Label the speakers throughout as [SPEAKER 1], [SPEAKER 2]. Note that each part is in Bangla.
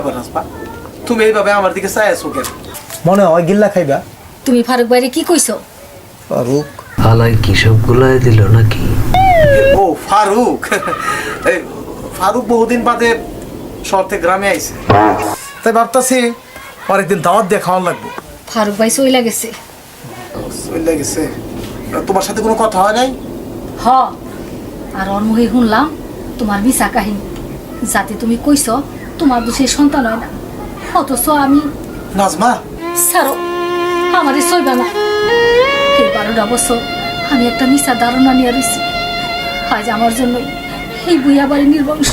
[SPEAKER 1] তুমি এইভাবে আমার দিকে চাই আছো কেন?
[SPEAKER 2] মনে হয় গিল্লা খাইবা।
[SPEAKER 3] তুমি ফারুক ভাইরে কি কইছো?
[SPEAKER 2] ফারুক
[SPEAKER 4] হালাই কি সব গুলাই দিল নাকি?
[SPEAKER 1] ও ফারুক, এই ফারুক বহুদিন বাদে শহর থেকে গ্রামে আইছে, তাই ভাবতাছি অনেকদিন দাওয়াত দিয়ে খাওয়ার লাগবে।
[SPEAKER 3] ফারুক ভাই চইলা গেছে।
[SPEAKER 1] চলে গেছে? তোমার সাথে কোনো কথা হয় নাই?
[SPEAKER 3] হ, আর ওর মুখে শুনলাম তোমার মিছা কাহিনী, যাতে তুমি কইছো তোমার দুষে সন্তান হয় না, অথচ আমি।
[SPEAKER 1] নাজমা
[SPEAKER 3] ছাড়ো, আমারে সইবা না। এই 12টা বছর আমি একটা মিছা ধারণা নিয়ে রয়েছি, আজ আমার জন্যই এই বুইয়া বাড়ি নির্বংশ।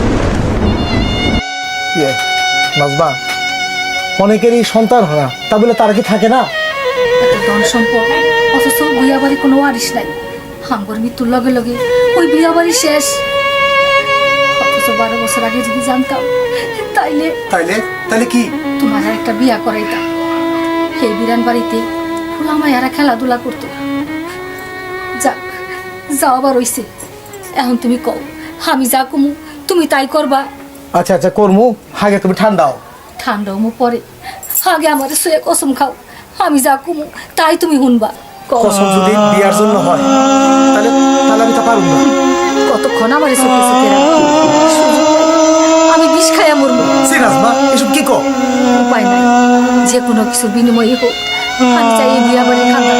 [SPEAKER 2] নাজমা, অনেকেরই সন্তান হয় না, তা বলে তারা কি থাকে না?
[SPEAKER 3] এত ধন সম্পদ, অথচ বুইয়া বাড়ি কোনো ওয়ারিশ নাই। হাঙ্গর মৃত্যুর লগে লগে ওই বুইয়া বাড়ি শেষ। অথচ 12 বছর আগে যদি জানতাম, তাইলে
[SPEAKER 1] তাইলে তাইলে কি?
[SPEAKER 3] তোমার আর একটা বিয়া করাইতাম। এই বিরান বাড়িতে ফুলামায়ারা খেলাধুলা করতো। যাক, যাও আবার হইছে। এখন তুমি কও, আমি যা কমু তুমি তাই করবা?
[SPEAKER 2] আচ্ছা আচ্ছা করমু, আগে তুমি ঠান্ডাও।
[SPEAKER 3] ঠান্ডাও মু পরে, আগে আমার শুয়ে কসম খাও, আমি যা কমু তাই তুমি শুনবা।
[SPEAKER 2] কসম যদি বিয়ার জন্য হয়, তাহলে তাহলে আমি তা পারব না।
[SPEAKER 3] কতক্ষণ আমার চোখে চোখে রাখবো? আমি বিষ খাইয়া মরবো।
[SPEAKER 2] নাজমা, এসব কি কও?
[SPEAKER 3] উপায় নাই, যে কোনো কিছুর বিনিময়ে হোক আমি চাই এই বিয়া বাড়ি খান্দা।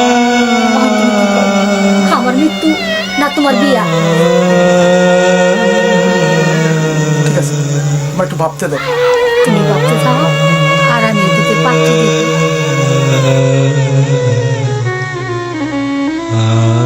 [SPEAKER 3] আমার মৃত্যু না তোমার বিয়া?
[SPEAKER 2] ঠিক আছে, আমার একটু ভাবতে দাও।
[SPEAKER 3] তুমি ভাবতে যাও, আর আমি এদিকে পাঠিয়ে দেবো।